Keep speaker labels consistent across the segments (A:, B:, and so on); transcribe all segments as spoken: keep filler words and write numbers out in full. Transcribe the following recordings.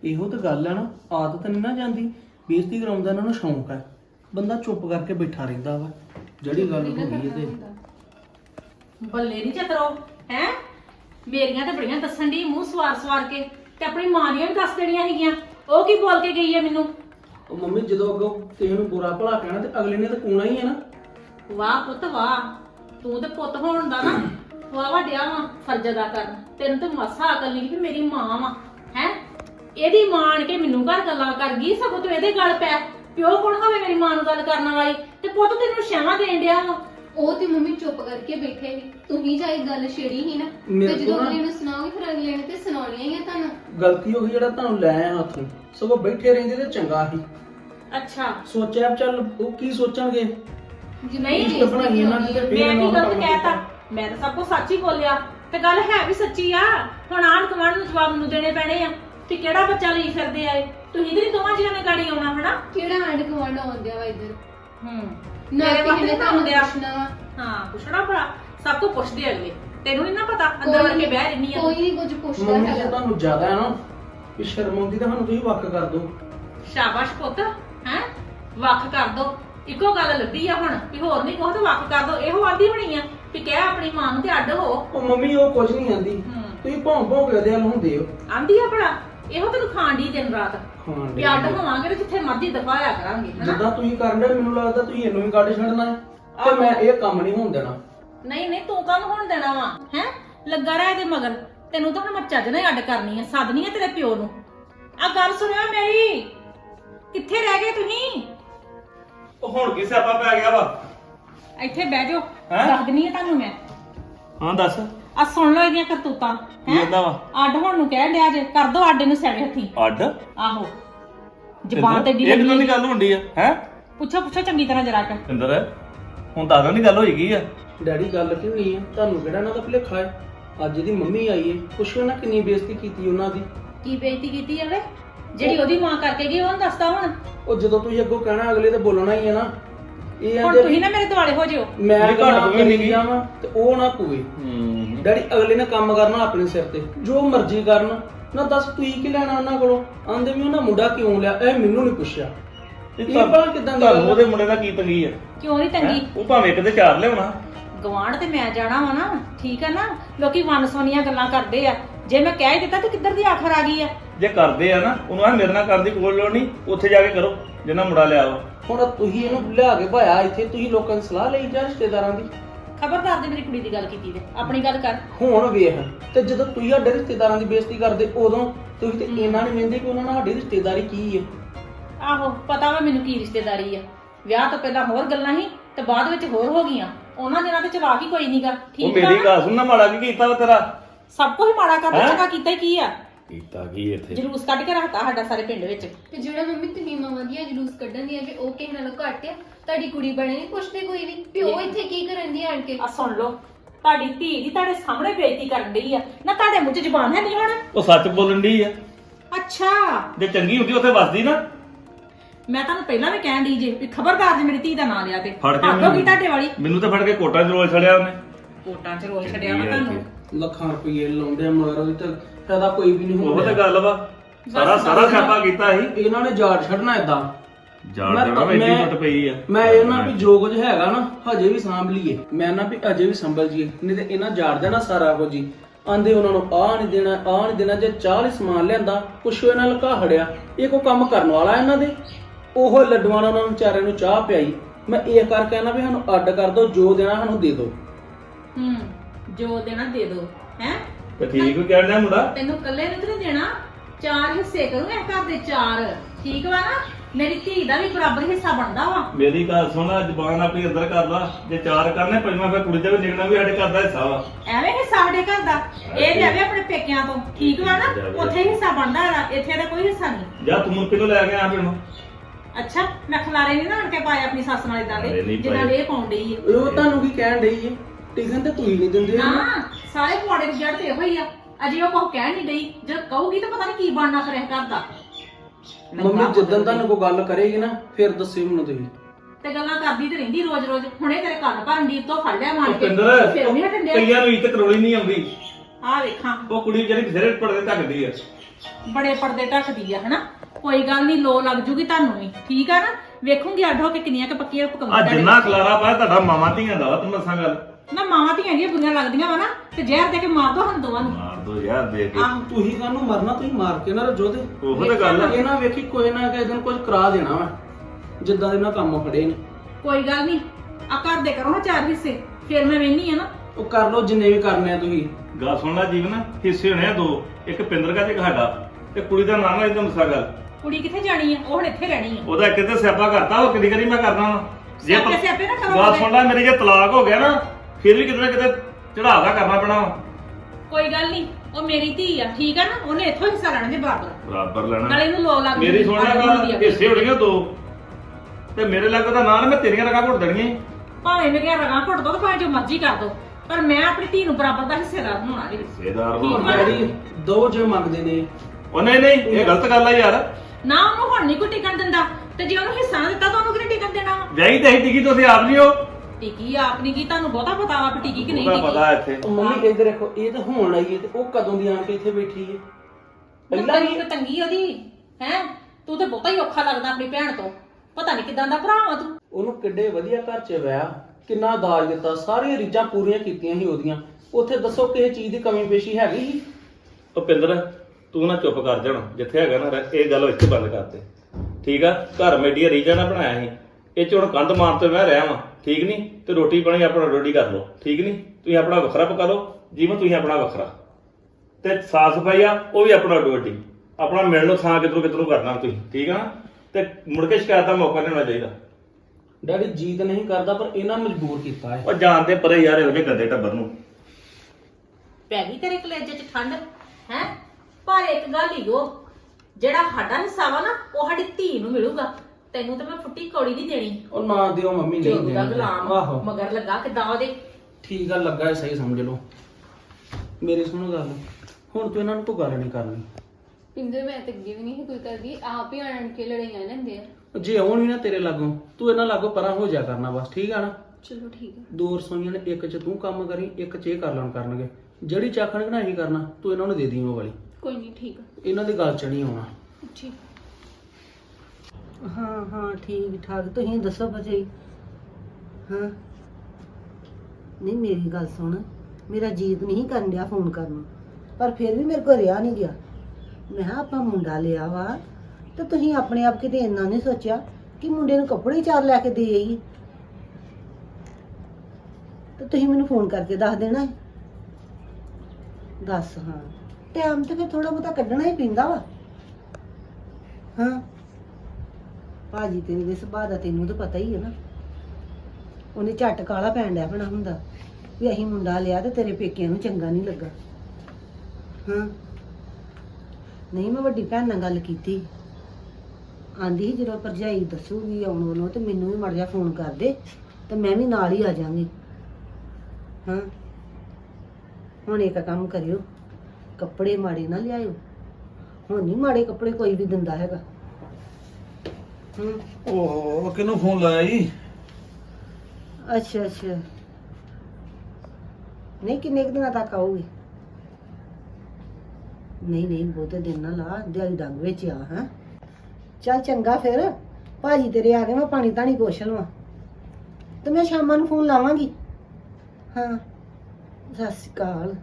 A: ਇਹੋ ਤਾਂ ਗੱਲ ਆ ਨਾ, ਆਦਤ ਨਹੀਂ ਨਾ ਜਾਂਦੀ। ਬੇਇੱਜ਼ਤੀ ਕਰਾਉਣ ਦਾ ਇਹਨਾਂ ਨੂੰ ਸ਼ੌਂਕ ਹੈ। ਬੰਦਾ ਚੁੱਪ ਕਰਕੇ ਬੈਠਾ ਰਹਿੰਦਾ ਵਾ। ਜਿਹੜੀ ਗੱਲ ਹੋ ਗਈ ਤੇ
B: ਬੱਲੇ ਨਹੀਂ ਚਤਰੋ ਹੈ। ਮੇਰੀਆਂ ਤਾਂ ਬੜੀਆਂ ਦੱਸਣ ਦੀ ਮੂੰਹ ਸਵਾਰ ਸਵਾਰ ਕੇ ਤੇ ਆਪਣੀ ਮਾਂ ਦੀਆਂ ਵੀ ਦੱਸ ਦੇਣੀਆਂ ਹੈਗੀਆਂ। ਉਹ ਕੀ ਬੋਲ ਕੇ ਗਈ ਹੈ ਮੈਨੂੰ?
A: ਉਹ ਮੰਮੀ ਜਦੋਂ ਅੱਗੋਂ ਕਿਸੇ ਨੂੰ ਬੁਰਾ ਭਲਾ ਕਹਿਣਾ ਤੇ ਅਗਲੇ ਨੇ ਤਾਂ ਕੂਣਾ ਹੀ ਹੈ ਨਾ।
B: ਵਾਹ ਪੁੱਤ ਵਾਹ, ਤੂੰ ਤੇ ਪੁੱਤ ਹੋਣ ਦਾ ਨਾ ਵਾਹ ਵੱਡਿਆ ਵਾ ਫਰਜ਼ ਅਦਾ ਕਰਨ। ਤੈਨੂੰ ਤੇ ਮਸਾ ਅਕਲ ਨਹੀਂ ਵੀ ਮੇਰੀ ਮਾਂ ਵਾ ਹੈ। ਇਹਦੀ ਮਾਂ ਆਣ ਕੇ ਮੈਨੂੰ ਘਰ ਗੱਲਾਂ ਕਰ ਗਈ, ਸਗੋਂ ਤੂੰ ਇਹਦੇ ਗੱਲ ਪੈ। ਪਿਓ ਕੌਣ ਹੋਵੇ ਮੇਰੀ ਮਾਂ ਨੂੰ ਗੱਲ ਕਰਨ ਵਾਲੀ? ਤੇ ਪੁੱਤ ਤੈਨੂੰ ਸ਼ਾਵਾਂ ਦੇਣ ਡਿਆ ਵਾ।
C: ਉਹ ਤੇ ਮੰਮੀ ਚੁੱਪ ਕਰਕੇ ਬੈਠੇ ਸੀ, ਤੁਸੀਂ ਜਾਈ ਗੱਲ ਛੇੜੀ ਸੀ ਨਾ, ਤੇ ਜਦੋਂ ਅਗਲੇ ਨੂੰ ਸੁਣਾਓਗੇ ਫਿਰ ਅਗਲੇ ਨੇ ਤੇ ਸੁਣਾਉਣੀਆਂ ਹੀ ਆ ਤੁਹਾਨੂੰ।
A: ਗਲਤੀ ਉਹੀ ਜਿਹੜਾ ਤੁਹਾਨੂੰ ਲੈ ਆਇਆ ਹੱਥੋਂ, ਸਗੋਂ ਬੈਠੇ ਰਹਿੰਦੇ ਤੇ ਚੰਗਾ ਸੀ।
B: ਅੱਛਾ
A: ਸੋਚਿਆ ਚੱਲ ਉਹ ਕੀ ਸੋਚਣਗੇ।
B: ਨਹੀਂ
A: ਇਸ਼ਟ ਬਣਾਈ ਇਹਨਾਂ ਦੀ ਤੇ
B: ਮੈਂ
A: ਫਿਰ
B: ਕੀ
A: ਉਹਨਾਂ
B: ਗਲਤ
A: ਨੂੰ
B: ਕਹਿਤਾ? ਮੈਂ ਤਾਂ ਸਭ ਕੁਝ ਸੱਚ ਹੀ ਬੋਲਿਆ ਤੇ ਗੱਲ ਹੈ ਵੀ ਸੱਚੀ ਆ। ਹੁਣ ਆਣ ਕਮਾਂਡ ਨੂੰ ਜਵਾਬ ਮੈਨੂੰ ਦੇਣੇ ਪੈਣੇ ਆ ਕਿ ਕਿਹੜਾ ਬੱਚਾ ਲਈ ਫਿਰਦੇ ਆਏ। ਤੁਸੀਂ ਤੇ ਨੀ ਦੋਵਾਂ ਜੀਆਂ ਨੇ ਗਾੜੀ ਆਉਣਾ ਹਨਾ।
C: ਕਿਹੜਾ ਆਂਡ ਕਮਾਂਡ ਆਉਂਦਿਆ ਵਾ ਇੱਧਰ?
B: ਹੂੰ
C: ਨਾ
B: ਮੇਰੇ
C: ਕਿਸੇ
B: ਵਾਸਤੇ
C: ਨੇ
B: ਤਾਂ
C: ਤੁਹਾਨੂੰ
B: ਆਉਂਦੇ ਆ।
C: ਪੁੱਛਣਾ ਵਾ।
B: ਹਾਂ ਪੁੱਛਣਾ ਭਲਾ, ਸਭ ਕੁਝ ਪੁੱਛਦੇ ਆ ਅਗਲੇ। ਤੈਨੂੰ ਨੀ ਨਾ ਪਤਾ ਅੰਦਰ ਵੜ ਕੇ ਬਹਿ ਰਹਿਨੀ ਆ।
C: ਕੋਈ ਨਹੀਂ ਕੁਝ ਪੁੱਛਦਾ
A: ਮੰਮੀ ਜੇ
C: ਹੈਗਾ।
A: ਤੁਹਾਨੂੰ ਜ਼ਿਆਦਾ ਹੈ ਨਾ ਵੀ ਸ਼ਰਮ ਆਉਂਦੀ ਤਾਂ ਸਾਨੂੰ ਤੁਸੀਂ ਵੱਖ ਕਰ ਦਿਓ।
B: ਸ਼ਾਬਾਸ਼ ਪੁੱਤ ਹੈ, ਵੱਖ ਕਰ ਦੋ। ਇੱਕੋ ਗੱਲ ਲੱਭੀ ਆ ਹੁਣ ਵੀ ਹੋਰ ਨਹੀਂ ਕੁਝ ਤੇ ਵੱਖ ਕਰ ਦੋ। ਇਹੋ ਆਂਦੀ ਬਣੀ ਆ ਵੀ ਕਹਿ ਆਪਣੀ ਮਾਂ ਨੂੰ ਤੇ ਅੱਡ ਹੋ।
A: ਉਹ ਮੰਮੀ ਉਹ ਕੁਝ ਨਹੀਂ ਆਂਦੀ,
B: ਹੂੰ
A: ਤੁਸੀਂ ਭੌਂ ਭੌਂ ਕੇ ਉਹਦੇ ਵੱਲ ਹੁੰਦੇ ਹੋ।
B: ਆਂਦੀ ਆ ਭਲਾ ਇਹੋ ਤੈਨੂੰ ਖਾਣ ਦੀ ਦਿਨ ਰਾਤ
A: ਖਾਣ
B: ਵੀ
A: ਦੇ
B: ਅੱਡ ਹੋਵਾਂਗੇ ਤੇ ਜਿੱਥੇ ਮਰਜ਼ੀ ਦਫਾਇਆ ਕਰਾਂਗੇ ਹਨਾ।
A: ਜਿੱਦਾਂ ਤੁਸੀਂ ਕਰਨ ਦੇ ਮੈਨੂੰ ਲੱਗਦਾ ਤੁਸੀਂ ਇਹਨੂੰ ਵੀ ਕੱਢ ਛੱਡਣਾ ਹੈ ਤੇ ਮੈਂ ਇਹ ਕੰਮ ਨਹੀਂ ਹੋਣ ਦੇਣਾ।
B: ਨਹੀਂ ਨਹੀਂ ਤੂੰ ਕੰਮ ਹੋਣ ਦੇਣਾ ਵਾ ਹੈ। ਲੱਗਾ ਰਹਿ ਇਹਦੇ ਮਗਰ। ਤੈਨੂੰ ਤਾਂ ਹੁਣ ਮੈਂ ਚੱਜ ਨਾਲ ਅੱਡ ਕਰਨੀ ਆ, ਸੱਦਨੀ ਆ ਤੇਰੇ ਪਿਓ ਨੂੰ। ਆ ਗੱਲ ਸੁਣਿਓ ਮੇਰੀ, ਕਿੱਥੇ ਰਹਿ ਗਏ ਤੁਸੀਂ?
D: ਉਹ ਹੁਣ ਕੀ ਸਿਆਪਾ ਪੈ ਗਿਆ ਵਾ?
B: ਇੱਥੇ ਬਹਿ ਜਾਓ,
D: ਹੈਂ?
B: ਦੱਸ ਦਿੰਨੀ ਆ ਤੁਹਾਨੂੰ ਮੈਂ।
D: ਹਾਂ ਦੱਸ
B: ਆ ਸੁਣ ਲਓ ਇਹਦੀਆਂ ਕਰਤੂਤਾਂ
D: ਕੀ ਕਹਿੰਦਾ ਵਾ?
B: ਅੱਡ ਹੋਣ ਨੂੰ ਕਹਿ ਡਿਆ ਜੇ, ਕਰ ਦੋ ਅੱਡ ਨੂੰ ਸੈਵੇ ਹੱਥੀ।
D: ਅੱਡ?
B: ਆਹੋ ਜ਼ਬਾਨ ਤੇ ਢੀ
D: ਇਹ ਕਿਦੋਂ ਦੀ
B: ਲੱਗੀ।
D: ਗੱਲ ਹੁੰਦੀ ਆ ਹੈ?
B: ਪੁੱਛੋ ਪੁੱਛੋ ਚੰਗੀ ਤਰ੍ਹਾਂ ਜਰਾ ਕ।
D: ਇੰਦਰ ਹੁਣ ਦੱਸਦਾ ਨਹੀਂ ਗੱਲ ਹੋਈ ਗਈ ਆ।
A: ਡੈਡੀ ਗੱਲ ਕੀ ਹੋਈ ਹੈ? ਤੁਹਾਨੂੰ ਕਿਹੜਾ ਇਹਨਾਂ ਦਾ ਭੁਲੇਖਾ ਹੈ? ਅੱਜ ਦੀ ਮੰਮੀ ਆਈ ਏ, ਪੁੱਛੋ ਨਾ ਕਿੰਨੀ ਬੇਇੱਜ਼ਤੀ ਕੀਤੀ ਉਹਨਾਂ ਦੀ।
B: ਕੀ ਬੇਇੱਜ਼ਤੀ ਕੀਤੀ ਜਾਵੇ? ਜਿਹੜੀ ਉਹਦੀ ਮਾਂ ਕਰਕੇ ਗਈ ਉਹਨੂੰ ਦੱਸਦਾ ਹੁਣ।
A: ਉਹ ਜਦੋਂ ਤੁਸੀਂ ਅੱਗੋਂ ਕਹਿਣਾ ਅਗਲੇ ਤੇ ਬੋਲਣਾ ਹੀ ਹੈ ਨਾ। ਇਹ
B: ਹੁਣ
A: ਆਂਦੇ
B: ਤੁਸੀਂ ਨਾ ਮੇਰੇ ਦੁਆਲੇ ਹੋ ਜਿਓ।
A: ਮੈਂ
D: ਮੇਰੀ ਘੱਟ
A: ਘੱਟ
D: ਦੋਵੇਂ
A: ਕਰੀ
D: ਨਹੀਂ
A: ਜਾਵਾਂ ਤੇ ਉਹ ਨਾ ਕੂਏ।
D: ਹੂੰ
A: ਡੈਡੀ ਅਗਲੇ ਨੇ ਕੰਮ ਕਰਨਾ ਆਪਣੇ ਸਿਰ ਤੇ, ਜੋ ਮਰਜ਼ੀ ਕਰਨ ਨਾ। ਦੱਸ ਤੁਸੀਂ ਕੀ ਲੈਣਾ ਉਹਨਾਂ ਕੋਲੋਂ? ਆਂਦੇ ਵੀ ਉਹਨਾਂ ਮੁੰਡਾ ਕਿਉਂ ਲਿਆ, ਇਹ ਮੈਨੂੰ ਨਹੀਂ ਪੁੱਛਿਆ। ਇਹ ਭਲਾ ਕਿਦਾਂ ਦੀ ਗੱਲ
D: ਤੁਹਾਨੂੰ
A: ਆ?
D: ਉਹਦੇ ਮੁੰਡੇ ਦਾ ਕੀ ਤੰਗੀ ਆ?
B: ਕਿਉਂ ਨਹੀਂ
D: ਹੈਂ?
B: ਤੰਗੀ?
D: ਉਹ ਭਾਵੇਂ ਕਿਤੇ ਚਾਰ ਲਿਆਉਣਾ।
B: ਗਵਾਂਢ ਤੇ ਮੈਂ ਜਾਣਾ ਵਾ ਨਾ, ਠੀਕ ਆ ਨਾ। ਲੋਕੀ ਵਨਸਵਨੀਆਂ ਗੱਲਾਂ ਕਰਦੇ ਆ। ਜੇ ਮੈਂ ਕਹਿ ਹੀ ਦਿੱਤਾ ਤੇ ਕਿੱਧਰ ਦੀ ਆਖਰ ਆ ਗਈ ਆ?
D: ਜੇ ਕਰਦੇ ਆ ਨਾ ਉਹਨੂੰ ਆ ਮੇਰੇ ਨਾਲ ਕਰਨ ਦੀ ਕੋਈ ਲੋੜ ਨਹੀਂ, ਉੱਥੇ ਜਾ ਕੇ ਕਰੋ ਜਿੰਨਾ ਮੁੰਡਾ ਲਿਆ ਵਾ।
A: ਹੁਣ ਤੁਸੀਂ ਇਹਨੂੰ ਲਿਆ ਕੇ ਭਾਇਆ ਇੱਥੇ, ਤੁਸੀਂ ਲੋਕਾਂ ਦੀ ਸਲਾਹ ਲਈ ਜਾਂ ਰਿਸ਼ਤੇਦਾਰਾਂ ਦੀ?
B: ਖਬਰਦਾਰ ਜੇ ਮੇਰੀ ਕੁੜੀ ਦੀ ਗੱਲ ਕੀਤੀ ਤੇ ਆਪਣੀ ਗੱਲ ਕਰ।
A: ਹੁਣ ਵੇਖ, ਤੇ ਜਦੋਂ ਤੁਸੀਂ ਸਾਡੇ ਰਿਸ਼ਤੇਦਾਰਾਂ ਦੀ ਬੇਇੱਜ਼ਤੀ ਕਰਦੇ ਉਦੋਂ ਤੁਸੀਂ ਤੇ ਇਹਨਾਂ ਨਹੀਂ ਵੇਂਦੇ ਕਿ ਉਹਨਾਂ ਨਾਲ ਸਾਡੀ ਰਿਸ਼ਤੇਦਾਰੀ ਕੀ ਹੈ।
B: ਆਹੋ ਪਤਾ ਵਾ ਮੈਨੂੰ ਕੀ ਰਿਸ਼ਤੇਦਾਰੀ ਆ। ਵਿਆਹ ਤੋਂ ਪਹਿਲਾਂ ਹੋਰ ਗੱਲਾਂ ਸੀ ਤੇ ਬਾਅਦ ਵਿੱਚ ਹੋਰ ਹੋ ਗਈਆਂ। ਉਹਨਾਂ ਦਿਨਾਂ ਤੇ ਚਲਾ ਹੀ ਕੋਈ ਨਹੀਂਗਾ।
D: ਉਹ
B: ਠੀਕ
D: ਮੇਰੀ
B: ਆ
D: ਗੱਲ ਸੁਣ ਨਾ, ਮਾੜਾ ਕੀ ਕੀਤਾ ਵਾ ਤੇਰਾ?
B: ਸਭ ਕੁਝ ਮਾੜਾ ਕਰਦਾ,
D: ਹੈਂ?
B: ਚੰਗਾ ਕੀਤਾ ਹੀ ਕੀ ਆ?
D: ਕੀਤਾ ਕੀ ਇੱਥੇ?
B: ਜਲੂਸ ਕੱਢ ਕੇ ਰੱਖਤਾ ਸਾਡਾ ਸਾਰੇ ਪਿੰਡ ਵਿੱਚ।
C: ਤੇ ਜਿਹੜਾ ਮੰਮੀ ਤੁਸੀਂ ਮਾਵਾਂ ਦੀਆਂ ਜਲੂਸ ਕੱਢਣ ਦੀਆਂ ਵੀ ਉਹ ਕਿਸੇ ਨਾਲੋਂ ਘੱਟ ਆ? ਤੁਹਾਡੀ ਕੁੜੀ ਬਣੇ ਨਹੀਂ ਪੁੱਛਦੇ ਕੋਈ ਵੀ ਵੀ ਉਹ ਇੱਥੇ ਕੀ ਕਰਨ ਦੀ ਆਣ ਕੇ?
B: ਆ ਸੁਣ ਲਓ, ਤੁਹਾਡੀ ਧੀ ਦੀ ਤੁਹਾਡੇ ਸਾਹਮਣੇ ਬੇਇੱਜ਼ਤੀ ਕਰਨ ਡਈ ਆ ਨਾ। ਤੁਹਾਡੇ ਮੂੰਹ 'ਚ ਜ਼ੁਬਾਨ ਹੈ ਨਹੀਂ ਹੁਣ?
D: ਉਹ ਸੱਚ ਬੋਲਣ ਦੀ ਆ।
B: ਅੱਛਾ
D: ਜੇ ਚੰਗੀ ਹੁੰਦੀ ਉੱਥੇ ਵੱਸਦੀ ਨਾ।
B: ਮੈਂ ਤੁਹਾਨੂੰ ਪਹਿਲਾਂ ਵੀ ਕਹਿਣ ਡਈ ਜੇ ਵੀ ਖਬਰਦਾਰ ਜੇ ਮੇਰੀ ਧੀ ਦਾ ਨਾਂ ਲਿਆ ਤੇ
D: ਫੜ ਕੇ
B: ਹੱਥ ਹੋ ਗਈ ਤੁਹਾਡੇ ਵਾਲੀ।
D: ਮੈਨੂੰ ਤਾਂ ਫੜ ਕੇ ਕੋਟਾਂ 'ਚ ਰੋਲ ਛੜਿਆ ਉਹਨੇ।
B: ਕੋਟਾਂ 'ਚ ਰੋਲ ਛੱਡਿਆ ਵਾ ਤੁਹਾਨੂੰ।
A: ਲੱਖਾਂ ਰੁਪਏ ਲਾਉਂਦੇ ਆ ਮਗਰ, ਉਹਦੀ ਤਾਂ ਫਾਇਦਾ ਕੋਈ ਵੀ ਨਹੀਂ
D: ਉਹ
A: ਹੁੰਦਾ।
D: ਤੇ ਗੱਲ ਵਾ, ਸਾਰਾ ਸਾਰਾ ਸਿਆਪਾ ਕੀਤਾ ਸੀ।
A: ਇਹਨਾਂ ਨੇ ਜਾੜ ਛੱਡਣਾ ਏਦਾਂ।
D: ਜਾਣ
A: ਮੈਂ
D: ਜਾਣਾ ਵੇ
A: ਮੈਂ-
D: ਇੰਨੀ ਟੁੱਟ ਪਈ ਆ।
A: ਮੈਂ ਇਹਨਾਂ ਵੀ ਜੋ ਕੁਝ ਹੈਗਾ ਨਾ ਹਜੇ ਵੀ ਸਾਂਭ ਲਈਏ। ਮੈਂ ਨਾ ਵੀ ਅਜੇ ਵੀ ਸੰਭਲ ਜੀਏ, ਨਹੀਂ ਤੇ ਇਹਨਾਂ ਜਾੜ ਦੇਣਾ ਸਾਰਾ ਕੁਝ ਹੀ। ਆਂਦੇ ਉਹਨਾਂ ਨੂੰ ਆਹ ਨਹੀਂ ਦੇਣਾ, ਆਹ ਨਹੀਂ ਦੇਣਾ। ਜੇ ਚਾਹ ਲਈ ਸਮਾਨ ਲਿਆਂਦਾ ਪੁੱਛੋ ਇਹਨਾਂ ਲਕਾ ਹੜਿਆ। ਇਹ ਕੋਈ ਕੰਮ ਕਰਨ ਵਾਲਾ ਇਹਨਾਂ ਦੇ? ਉਹ ਲੱਡੂਆਂ ਨਾਲ ਉਹਨਾਂ ਨੂੰ ਵਿਚਾਰਿਆਂ ਨੂੰ ਚਾਹ ਪਿਆਈ। ਮੈਂ ਇਹ ਕਰ ਕਹਿਣਾ ਵੀ ਸਾਨੂੰ ਅੱਡ ਕਰ ਦੋ, ਜੋ ਦੇਣਾ ਸਾਨੂੰ ਦੇ ਦਿਓ।
B: ਹੂੰ ਜੋ ਦੇਣਾ ਦੇ ਦੋ ਹੈ।
D: ਤੇ ਠੀਕ ਕਹਿਣ ਡਿਆ ਮੁੰਡਾ।
B: ਤੈਨੂੰ ਇਕੱਲੇ ਨੂੰ ਤੇ ਨਹੀਂ ਦੇਣਾ, ਚਾਰ ਹਿੱਸੇ ਕਰੂੰ ਇਹ ਘਰ ਦੇ ਚਾਰ। ਠੀਕ ਵਾ ਨਾ? ਮੇਰੀ ਧੀ ਦਾ ਵੀ ਬਰਾਬਰ ਹਿੱਸਾ ਬਣਦਾ ਵਾ।
D: ਮੇਰੀ ਗੱਲ ਸੁਣ, ਜ਼ਬਾਨ ਆਪਣੀ ਅੰਦਰ ਕਰ ਲਾ। ਜੇ ਚਾਰ ਕਰਨੇ ਪੰਜਵਾਂ ਫਿਰ ਕੁੜੀ ਦਾ ਵੀ ਨਿਕਲਣਾ ਵੀ ਸਾਡੇ ਘਰ ਦਾ ਹਿੱਸਾ ਵਾ।
B: ਐਵੇਂ ਹਿੱਸਾ ਸਾਡੇ ਘਰ ਦਾ ਇਹ ਲਿਆਵੇ ਆਪਣੇ ਪੇਕਿਆਂ ਤੋਂ। ਠੀਕ ਵਾ ਨਾ? ਉੱਥੇ ਹਿੱਸਾ ਬਣਦਾ ਇਹਦਾ, ਇੱਥੇ ਦਾ ਕੋਈ ਹਿੱਸਾ ਨਹੀਂ।
D: ਜਾਂ ਤੂੰ ਮੁਰਕੇ ਤੋਂ ਲੈ ਕੇ ਆ ਪਿੰਡੋਂ।
B: ਅੱਛਾ ਮੈਂ ਖਲਾਰੇ ਨਹੀਂ ਨਾ ਆਣ ਕੇ ਪਾਇਆ ਆਪਣੀ ਸੱਸ ਨਾਲ ਇਦਾਂ
D: ਖਿਲਾਰੇ
B: ਦੇ
D: ਨਹੀਂ
B: ਜਿੱਦਾਂ
D: ਪਾਏ।
B: ਦੇ ਇਹ ਪਾਉਣ ਡਈ ਏ।
A: ਉਹ ਤੁਹਾਨੂੰ ਕੀ ਕਹਿਣ ਡਈ ਏ? ਟਿਕਣ ਤੇ ਤੁਸੀਂ ਨਹੀਂ ਦਿੰਦੇ ਉਹਨੂੰ।
B: ਨਾ ਸਾਰੇ ਪੁਆੜੇ ਦੀ ਜੜ ਤੇ ਇਹੋ ਹੀ ਆ। ਅਜੇ ਉਹ ਕੁਛ ਕਹਿ ਨਹੀਂ ਡਈ, ਜਦ ਕਹੂਗੀ ਤਾਂ ਪਤਾ ਨਹੀਂ ਕੀ ਬਣਨਾ ਫਿਰ ਇਹ ਘਰ ਦਾ।
A: ਮੰਮੀ ਜਿੱਦਣ ਤੁਹਾਨੂੰ ਕੋਈ ਗੱਲ ਕਰੇਗੀ ਨਾ ਫਿਰ ਦੱਸਿਓ ਮੈਨੂੰ ਤੁਸੀਂ।
B: ਤੇ ਗੱਲਾਂ ਕਰਦੀ ਤੇ ਰਹਿੰਦੀ ਰੋਜ਼ ਰੋਜ਼। ਹੁਣੇ ਤੇਰੇ ਕੰਨ ਭਰਨ ਦੀ ਤੋਂ ਫੜ ਲਿਆ ਮਾਰ ਕੇ,
D: ਪਿੰਦਰ
B: ਫਿਰ ਨਹੀਂ ਹਟਣ ਡਿਆ।
D: ਕਈਆਂ ਨੂੰ ਇੱਜ਼ਤ ਕਰੋਲੀ ਨਹੀਂ ਆਉਂਦੀ।
B: ਆ ਵੇਖਾਂ
D: ਉਹ ਕੁੜੀ ਜਿਹੜੀ ਬਥੇਰੇ ਪੜਦੇ ਧੱਕਦੀ ਆ।
B: ਬੜੇ ਪਰਦੇ ਢੱਕਦੀ ਆ ਹਨਾ। ਕੋਈ ਗੱਲ ਨਹੀਂ, ਲੋ ਲੱਗ ਜੂਗੀ ਤੁਹਾਨੂੰ ਵੀ, ਠੀਕ ਆ ਨਾ। ਵੇਖੂੰਗੀ ਅੱਡ ਹੋ ਕੇ ਕਿੰਨੀਆਂ ਕਿ ਪੱਕੀਆਂ
D: ਆ
B: ਪਕਾਉਂਦੀ
D: ਜਿੰਨਾ ਖਲਾਰਾ ਪਾਇਆ ਤੁਹਾਡਾ ਮਾਮਾ ਧੀਆਂ ਦਾ ਵਾ, ਤੈਨੂੰ ਦੱਸਾਂ ਗੱਲ।
B: ਨਾ ਮਾਵਾਂ ਧੀਆਂ ਦੀਆਂ ਬੁਰੀਆਂ ਲੱਗਦੀਆਂ ਵਾ ਨਾ, ਤੇ ਜ਼ਹਿਰ ਦੇ ਕੇ ਮਾਰ ਦੋ ਹਨ ਦੋਵਾਂ ਨੂੰ।
D: ਮਾਰ ਦੋ ਯਾਰ ਦੇ ਕੇ।
B: ਆਹੋ
A: ਤੁਸੀਂ ਕਾਹਨੂੰ ਮਰਨਾ, ਤੁਸੀਂ ਮਾਰ ਕੇ ਨਾ ਰਜੋ ਤੇ
D: ਉਹ ਤੇ ਗੱਲ ਆ।
A: ਇਹ ਨਾ ਵੇਖੀ ਕੋਈ ਨਾ ਕਿਸੇ ਦਿਨ ਕੁਝ ਕਰਾ ਦੇਣਾ ਵਾ, ਜਿੱਦਾਂ ਦੇ ਨਾ ਕੰਮ ਫੜੇ ਨੇ।
B: ਕੋਈ ਗੱਲ ਨਹੀਂ, ਆ ਘਰ ਦੇ ਕਰੋ ਨਾ ਚਾਰ ਹਿੱਸੇ, ਫਿਰ ਮੈਂ ਵੇਹਨੀ ਆ ਨਾ।
A: ਉਹ ਕਰ ਲਓ ਜਿੰਨੇ ਵੀ ਕਰਨੇ ਆ ਤੁਸੀਂ।
D: ਗੱਲ ਸੁਣ ਲੈ ਜੀਵਨ, ਹਿੱਸੇ ਹੋਣੇ ਆ ਦੋ, ਇੱਕ ਪਿੰਦਰ ਦਾ ਤੇ ਇੱਕ ਸਾਡਾ। ਤੇ ਕੁੜੀ ਦਾ ਨਾਮ ਹੈ ਇਹਨੂੰ ਦੱਸਾਂ ਗੱਲ।
B: ਕੁੜੀ ਕਿੱਥੇ ਜਾਣੀ ਆ, ਉਹ ਹੁਣ ਇੱਥੇ ਰਹਿਣੀ ਆ।
D: ਉਹਦਾ ਕਿਤੇ ਸਿਆਪਾ ਕਰਤਾ, ਉਹ ਕਿੰਨੀ ਕਰੀ ਮੈਂ ਕਰਦਾ ਵਾ। ਜੇ
B: ਸਿਆਪੇ ਸਿਆਪੇ ਨਾ ਕਰੋ
D: ਗੱਲ
B: ਉਹਦੇ।
D: ਸੁਣ ਲੈ ਮੇਰੀ, ਜੇ ਤਲਾਕ ਹੋ ਗਿਆ ਨਾ ਫਿਰ ਵੀ ਕਿਤੇ ਨਾ ਕਿਤੇ ਚੜਾਵਾ ਕਰਨਾ ਪੈਣਾ ਵਾ।
B: ਕੋਈ ਗੱਲ ਨਹੀਂ, ਉਹ ਮੇਰੀ ਧੀ ਆ, ਠੀਕ ਆ ਨਾ। ਉਹਨੇ ਇੱਥੋਂ ਹਿੱਸਾ ਲੈਣਾ ਜੇ ਬਰਾਬਰ,
D: ਬਰਾਬਰ ਲੈਣਾ।
B: ਨਾਲੇ ਇਹਨੂੰ ਲੋ ਲੱਗ
D: ਮੇਰੀ ਸੁਣ ਲੈ ਗੱਲ, ਹਿੱਸੇ ਹੋਣਗੇ ਦੋ, ਤੇ ਮੇਰੇ ਲੱਗ ਦਾ ਨਾਂ ਮੈਂ ਤੇਰੀਆਂ ਰਗਾ ਘੁੱਟ ਦੇਣੀਆਂ।
B: ਭਾਵੇਂ ਮੇਰੇ ਰਗਾਂ ਘੁੱਟ ਦੋ ਤੇ ਭਾਵੇਂ ਜੋ ਮਰਜ਼ੀ ਕਰ ਦੋ, ਪਰ ਮੈਂ ਆਪਣੀ ਧੀ ਨੂੰ ਬਰਾਬਰ ਦਾ ਹਿੱਸੇਦਾਰ ਬਣਾਉਣਾ ਜੀ।
D: ਹਿੱਸੇਦਾਰ
B: ਠੀਕ
D: ਬਣਾਉਣਾ।
B: ਆ।
A: ਡੈਡੀ ਦੋ ਜੋ ਮੰਗਦੇ ਨੇ।
D: ਉਹ ਨਹੀਂ ਨਹੀਂ, ਇਹ ਗਲਤ ਗੱਲ ਆ ਯਾਰ।
B: ਨਾ ਉਹਨੂੰ ਹੁਣ ਨਹੀਂ ਕੋਈ ਟਿਕਣ ਦਿੰਦਾ, ਤੇ ਜੇ ਉਹਨੂੰ ਹਿੱਸਾ ਨਾ ਦਿੱਤਾ ਤਾਂ ਉਹਨੂੰ ਕਿਹਨੇ ਟਿਕਣ ਦੇਣਾ ਵਾ?
D: ਵਿਆਹੀ ਤੇ ਹੀ ਟਿਕੀ, ਤੁਸੀਂ ਆਪ ਨਹੀਂ ਹੋ।
B: ਟਿਕੀ ਆਪ ਨਹੀਂ ਕੀ, ਤੁਹਾਨੂੰ ਬਹੁਤਾ ਪਤਾ ਵਾ ਵੀ ਟਿਕੀ ਕਿ ਨਹੀਂ
D: ਉਹਦਾ
B: ਟਿਕੀ।
D: ਪਤਾ ਇੱਥੇ।
A: ਉਹ ਮੰਮੀ ਇੱਧਰ ਦੇਖੋ, ਇਹ ਤਾਂ ਹੋਣ ਆਈ ਹੈ ਤੇ ਉਹ ਕਦੋਂ ਦੀ ਆਣ ਕੇ ਇੱਥੇ ਬੈਠੀ ਹੈ? ਪਹਿਲਾਂ
B: ਤੈਨੂੰ
A: ਵੀ
B: ਤੇ ਤੰਗੀ ਉਹਦੀ ਹੈ। ਤੂੰ ਤੇ ਬਹੁਤਾ ਹੀ ਔਖਾ ਲੱਗਦਾ ਆਪਣੀ ਭੈਣ ਤੋਂ। ਪਤਾ ਨਹੀਂ ਕਿਦਾਂ ਦਾ ਭਰਾ ਵਾ ਤੂੰ।
A: ਉਹਨੂੰ ਕਿੱਡੇ ਵਧੀਆ ਘਰ 'ਚ ਵਿਆਹ, ਕਿੰਨਾ ਦਾਜ ਦਿੱਤਾ, ਸਾਰੀਆਂ ਰੀਝਾਂ ਪੂਰੀਆਂ ਕੀਤੀਆਂ ਸੀ ਉਹਦੀਆਂ। ਉੱਥੇ ਦੱਸੋ ਕਿਸੇ ਚੀਜ਼ ਦੀ ਕਮੀ ਪੇਸ਼ੀ ਹੈਗੀ ਸੀ?
D: ਉਹ ਪਿੰਦਰ, ਤੂੰ ਨਾ ਚੁੱਪ ਕਰ ਜਾਣਾ, ਜਿੱਥੇ ਹੈਗਾ ਨਾ ਰਹਿ, ਇਹ ਗੱਲ ਇੱਥੇ ਬੰਦ ਕਰ ਦੇ, ਠੀਕ ਆ। ਘਰ ਮੇਡੀਆ ਰੀਝਾਂ ਨਾਲ ਬਣਾਇਆ ਸੀ, ਇਹ ਚ ਹੁਣ ਕੰਧ ਮਾਰ ਤੇ ਮੈਂ ਰਿਹਾ ਵਾਂ, ਠੀਕ ਨਹੀਂ। ਤੇ ਰੋਟੀ ਪਾਣੀ ਆਪਣਾ ਰੋਟੀ ਕਰ ਲਓ, ਠੀਕ ਨਹੀਂ। ਤੁਸੀਂ ਆਪਣਾ ਵੱਖਰਾ ਪਕਾ ਲਓ, ਜੀਵਨ ਤੁਸੀਂ ਆਪਣਾ ਵੱਖਰਾ, ਤੇ ਸਾਫ ਸਫਾਈ ਆ ਉਹ ਵੀ ਆਪਣਾ ਅੱਡੋ ਅੱਡੀ। ਆਪਣਾ ਮਿਲ ਲਓ ਥਾਂ ਕਿਧਰੋਂ ਕਿਧਰੋਂ ਕਰਨਾ ਤੁਸੀਂ, ਠੀਕ ਆ ਨਾ। ਤੇ ਮੁੜ ਕੇ ਸ਼ਿਕਾਇਤ ਦਾ ਮੌਕਾ ਨਹੀਂ ਹੋਣਾ ਚਾਹੀਦਾ।
A: ਡੈਡੀ ਜੀਤ ਨਹੀਂ ਕਰਦਾ, ਪਰ ਇਹਨਾਂ ਮਜਬੂਰ ਕੀਤਾ ਹੈ।
D: ਉਹ ਜਾਣਦੇ ਪਰੇ ਯਾਰ ਇਹੋ ਜਿਹੇ ਗੰਦੇ ਟੱਬਰ ਨੂੰ।
B: ਪੈ ਗਈ ਤੇਰੇ ਕਲੇਜੇ 'ਚ ਠੰਡ ਹੈ। ਪਰ ਇੱਕ ਗੱਲ ਹੀ ਉਹ, ਜਿਹੜਾ ਸਾਡਾ ਹਿੱਸਾ ਵਾ ਨਾ, ਉਹ ਸਾਡੀ ਧੀ ਨੂੰ ਮਿਲੂਗਾ। ਤੈਨੂੰ ਤਾਂ ਮੈਂ ਫੁੱਟੀ ਕੌੜੀ ਨਹੀਂ ਦੇਣੀ।
A: ਉਹ ਨਾ ਦਿਓ ਮੰਮੀ, ਨਹੀਂ
B: ਜੋਗ ਦਾ
A: ਦੇਣੀ।
B: ਗੁਲਾਮ
A: ਆਹੋ
B: ਮਗਰ ਲੱਗਾ ਕਿਦਾਂ ਉਹਦੇ।
A: ਠੀਕ ਆ, ਲੱਗਾ ਹੈ, ਸਹੀ ਸਮਝ ਲਓ। ਮੇਰੀ ਸੁਣੋ ਗੱਲ, ਹੁਣ ਤੂੰ ਇਹਨਾਂ ਨੂੰ ਕੋਈ ਗੱਲ ਨਹੀਂ ਕਰਨੀ।
C: ਪਿੰਦਰ ਮੈਂ ਤਾਂ ਅੱਗੇ ਵੀ ਨਹੀਂ ਸੀ ਕੋਈ ਕਰਦੀ, ਆਪ ਹੀ ਆਣ ਕੇ ਲੜਾਈਆਂ ਲੈਂਦੇ ਆ।
A: ਜੇ ਆਉਣ ਵੀ ਨਾ ਤੇਰੇ ਲਾਗੋਂ, ਤੂੰ ਇਹਨਾਂ ਲਾਗੋਂ ਪਰਾਂ ਹੋ ਜਾ ਕਰਨਾ ਬਸ, ਠੀਕ ਆ ਨਾ।
C: ਚਲੋ ਠੀਕ ਆ।
A: ਦੋ ਰਸੋਈਆਂ ਨੇ, ਇੱਕ 'ਚ ਤੂੰ ਕੰਮ ਕਰੀ, ਇੱਕ 'ਚ ਇਹ ਕਰ ਲੈਣ ਕਰਨਗੇ। ਜਿਹੜੀ ਚਾਖਣ ਨਾ ਇਹੀ ਕਰਨਾ, ਤੂੰ ਇਹਨਾਂ ਨੂੰ ਦੇ ਦੀ ਉਹ ਵਾਲੀ।
C: ਕੋਈ ਨਹੀਂ, ਠੀਕ ਆ।
A: ਇਹਨਾਂ ਦੀ ਗੱਲ 'ਚ ਨਹੀਂ ਆਉਣਾ।
C: ਠੀਕ।
E: ਹਾਂ ਹਾਂ ਠੀਕ ਠਾਕ, ਤੁਸੀਂ ਦੱਸੋ ਬਚੇ। ਹਾਂ ਨਹੀਂ ਮੇਰੀ ਗੱਲ ਸੁਣ, ਮੇਰਾ ਜੀਤ ਨਹੀਂ ਕਰਨ ਡਿਆ ਫੋਨ ਕਰਨ ਨੂੰ, ਪਰ ਫਿਰ ਵੀ ਮੇਰੇ ਕੋਲ ਰਿਹਾ ਨਹੀਂ ਗਿਆ। ਮੈਂ ਕਿਹਾ ਆਪਾਂ ਮੁੰਡਾ ਲਿਆ ਵਾ, ਤੇ ਤੁਸੀਂ ਆਪਣੇ ਆਪ ਕਿਤੇ ਇੰਨਾ ਨਹੀਂ ਸੋਚਿਆ ਕਿ ਮੁੰਡੇ ਨੂੰ ਕੱਪੜੇ ਹੀ ਚਾਰ ਲੈ ਕੇ ਦੇ ਆਈਏ। ਤੇ ਤੁਸੀਂ ਮੈਨੂੰ ਫੋਨ ਕਰਕੇ ਦੱਸ ਦੇਣਾ ਹੈ। ਦੱਸ ਹਾਂ, ਟਾਈਮ ਤੇ ਫਿਰ ਥੋੜਾ ਬਹੁਤਾ ਕੱਢਣਾ ਹੀ ਪੈਂਦਾ ਵਾ। ਹਾਂ ਭਾਜੀ ਤੇਰੇ ਦੇ ਸੁਭਾਅ ਦਾ ਤੈਨੂੰ ਤਾਂ ਪਤਾ ਹੀ ਹੈ ਨਾ। ਉਹਨੇ ਝੱਟ ਕਾਲਾ ਪੈਣ ਡਿਆ ਪੈਣਾ ਹੁੰਦਾ ਵੀ ਅਸੀਂ ਮੁੰਡਾ ਲਿਆ ਤੇ ਤੇਰੇ ਪੇਕਿਆਂ ਨੂੰ ਚੰਗਾ ਨਹੀਂ ਲੱਗਾ। ਹਾਂ ਨਹੀਂ, ਮੈਂ ਵੱਡੀ ਭੈਣ ਨਾਲ ਗੱਲ ਕੀਤੀ, ਆਂਦੀ ਸੀ ਜਦੋਂ ਭਰਜਾਈ ਦੱਸੂਗੀ ਆਉਣ ਵੱਲੋਂ ਤੇ ਮੈਨੂੰ ਵੀ ਮੜ ਜਾ ਫੋਨ ਕਰ ਦੇ ਤੇ ਮੈਂ ਵੀ ਨਾਲ ਹੀ ਆ ਜਾਵਾਂਗੀ। ਹਾਂ ਹੁਣ ਇੱਕ ਕੰਮ ਕਰਿਓ, ਕੱਪੜੇ ਮਾੜੇ ਨਾ ਲਿਆਇਓ। ਹੁਣ ਨਹੀਂ ਮਾੜੇ ਕੱਪੜੇ ਕੋਈ ਵੀ ਦਿੰਦਾ ਹੈਗਾ। ਹੂੰ
F: ਉਹ ਕਿਹਨੂੰ ਫੋਨ ਲਾਇਆ ਜੀ?
E: ਅੱਛਾ ਅੱਛਾ, ਨਹੀਂ ਕਿੰਨੇ ਕੁ ਦਿਨਾਂ ਤੱਕ ਆਉਗੀ? ਨਹੀਂ ਨਹੀਂ ਬਹੁਤੇ ਦਿਨ ਨਾ ਲਾ, ਦਿਹਾੜੀ ਡੰਗ ਵਿੱਚ ਆ। ਹੈ ਚੱਲ ਚੰਗਾ, ਫਿਰ ਭਾਜੀ ਤੇਰੇ ਆ ਗਏ, ਮੈਂ ਪਾਣੀ ਧਾਣੀ ਪੁੱਛ ਲਵਾਂ ਤੇ ਮੈਂ ਸ਼ਾਮਾਂ ਨੂੰ ਫੋਨ ਲਾਵਾਂਗੀ। ਹਾਂ ਸਤਿ ਸ਼੍ਰੀ ਅਕਾਲ।